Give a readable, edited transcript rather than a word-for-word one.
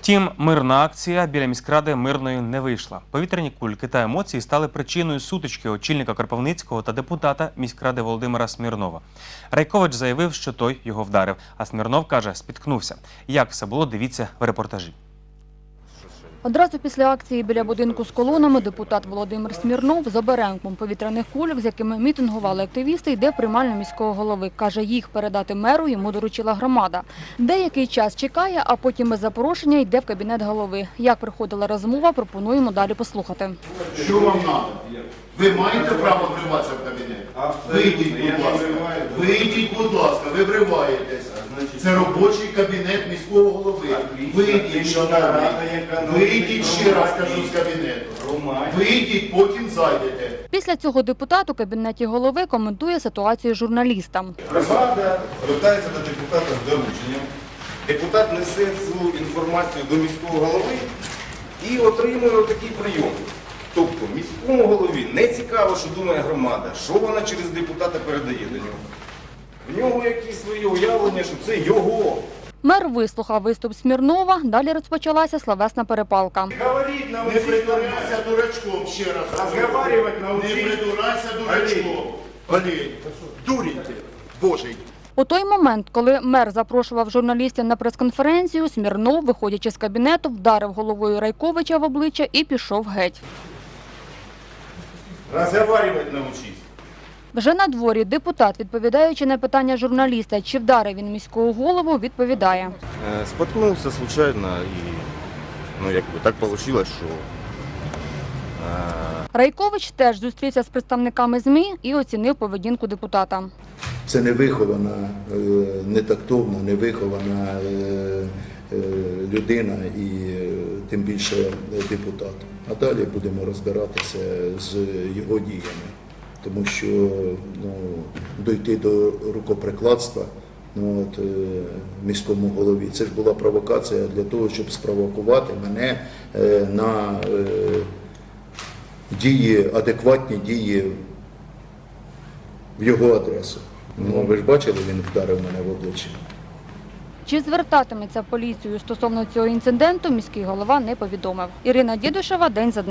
Втім, мирна акція біля міськради мирною не вийшла. Повітряні кульки та емоції стали причиною сутички очільника Кропивницького та депутата міськради Володимира Смірнова. Райкович заявив, що той його вдарив, а Смірнов каже, спіткнувся. Як все було, дивіться в репортажі. Одразу після акції біля будинку з колонами депутат Володимир Смірнов з оберемком повітряних кульок, з якими мітингували активісти, йде в приймальню міського голови. Каже, їх передати меру йому доручила громада. Деякий час чекає, а потім без запрошення йде в кабінет голови. Як проходила розмова, пропонуємо далі послухати. Що вам треба? Ви маєте право вриватися в кабінет? Вийдіть, будь ласка. Вийдіть, будь ласка, ви вриваєтесь. Це робочий кабінет міського голови. Вийдіть, шановні. Вийдіть, ще раз кажу, з кабінету. Вийдіть, потім зайдете. Після цього депутат у кабінеті голови коментує ситуацію журналістам. Громада звертається до депутата з дорученням. Депутат несе цю інформацію до міського голови і отримує такий прийом. Тобто міському голові не цікаво, що думає громада, що вона через депутата передає до нього. В нього якісь свої уявлення, що це його. Мер вислухав виступ Смірнова, далі розпочалася словесна перепалка. Не придурайся дурачком, ще раз. Не придурайся дурачком. Олень, дурень ти, Божий. У той момент, коли мер запрошував журналістів на прес-конференцію, Смірнов, виходячи з кабінету, вдарив головою Райковича в обличчя і пішов геть. Розговаривать научись. Вже на дворі депутат, відповідаючи на питання журналіста, чи вдарив він міського голову, відповідає. Споткнувся случайно і так вийшло, що... Райкович теж зустрівся з представниками ЗМІ і оцінив поведінку депутата. Це невихована, нетактовна, невихована людина і тим більше депутат. А далі будемо розбиратися з його діями, тому що дійти до рукоприкладства міському голові, це ж була провокація для того, щоб спровокувати мене на дії, адекватні дії в його адресу. Ви ж бачили, він вдарив мене в обличчя. Чи звертатиметься в поліцію стосовно цього інциденту, міський голова не повідомив. Ірина Дідушева, День за днем.